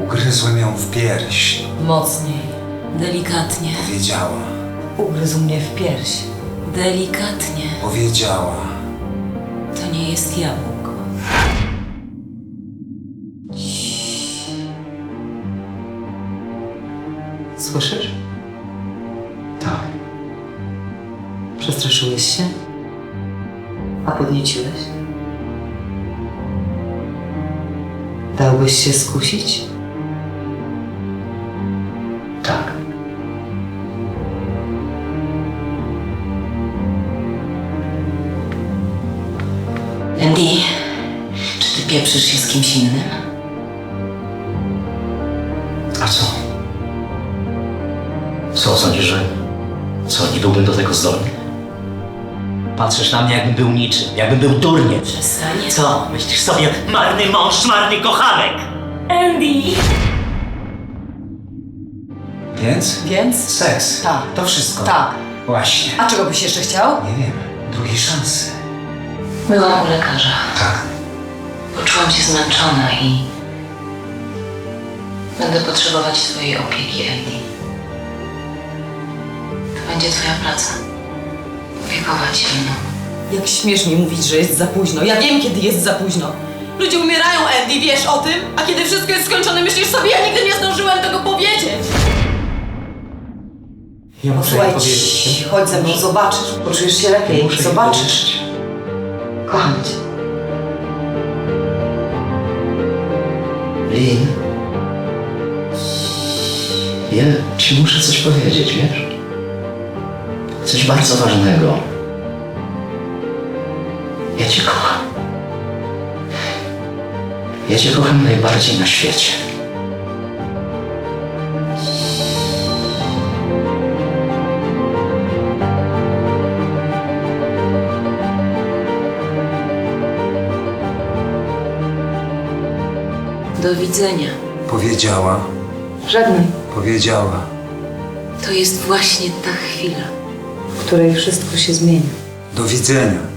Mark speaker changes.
Speaker 1: Ugryzłem ją w pierś.
Speaker 2: Mocniej. Delikatnie.
Speaker 1: Powiedziała.
Speaker 2: Ugryzł mnie w pierś. Delikatnie.
Speaker 1: Powiedziała.
Speaker 2: To nie jest jabłko. Słyszysz?
Speaker 1: Tak.
Speaker 2: Przestraszyłeś się? A podnieciłeś? Dałbyś się skusić?
Speaker 1: Tak.
Speaker 2: Andy, czy ty pieprzysz się z kimś innym?
Speaker 3: A co? Co sądzisz, że... Co, nie byłbym do tego zdolny? Patrzysz na mnie, jakbym był niczym, jakbym był durniem.
Speaker 2: Przestań.
Speaker 3: Co? Myślisz sobie, marny mąż, marny kochanek?
Speaker 2: Andy!
Speaker 1: Więc?
Speaker 2: Więc?
Speaker 1: Seks.
Speaker 2: Tak.
Speaker 1: To wszystko.
Speaker 2: Tak.
Speaker 1: Właśnie.
Speaker 2: A czego byś jeszcze chciał?
Speaker 1: Nie wiem. Drugiej szansy.
Speaker 2: Byłam u lekarza.
Speaker 1: Tak.
Speaker 2: Poczułam się zmęczona i... będę potrzebować twojej opieki, Andy. To będzie twoja praca. Opiekować się mną.
Speaker 4: Jak śmiesz mi mówić, że jest za późno. Ja wiem, kiedy jest za późno. Ludzie umierają, Andy, wiesz o tym? A kiedy wszystko jest skończone, myślisz sobie, ja nigdy nie zdążyłem tego powiedzieć.
Speaker 1: Ja muszę jej
Speaker 4: Posłuchaj,
Speaker 1: powiedzieć.
Speaker 4: chodź ze mną, zobaczysz. Poczujesz się lepiej,
Speaker 1: Muszę jej
Speaker 4: zobaczysz.
Speaker 1: powiedzieć.
Speaker 4: Kocham cię.
Speaker 3: Lin, ja ci muszę coś powiedzieć, wiesz? Coś bardzo ważnego. Ja cię kocham. Ja cię kocham najbardziej na świecie.
Speaker 2: Do widzenia.
Speaker 1: Powiedziała.
Speaker 4: Żadnej,
Speaker 1: Powiedziała.
Speaker 2: To jest właśnie ta chwila.
Speaker 4: w której wszystko się zmieni.
Speaker 1: Do widzenia.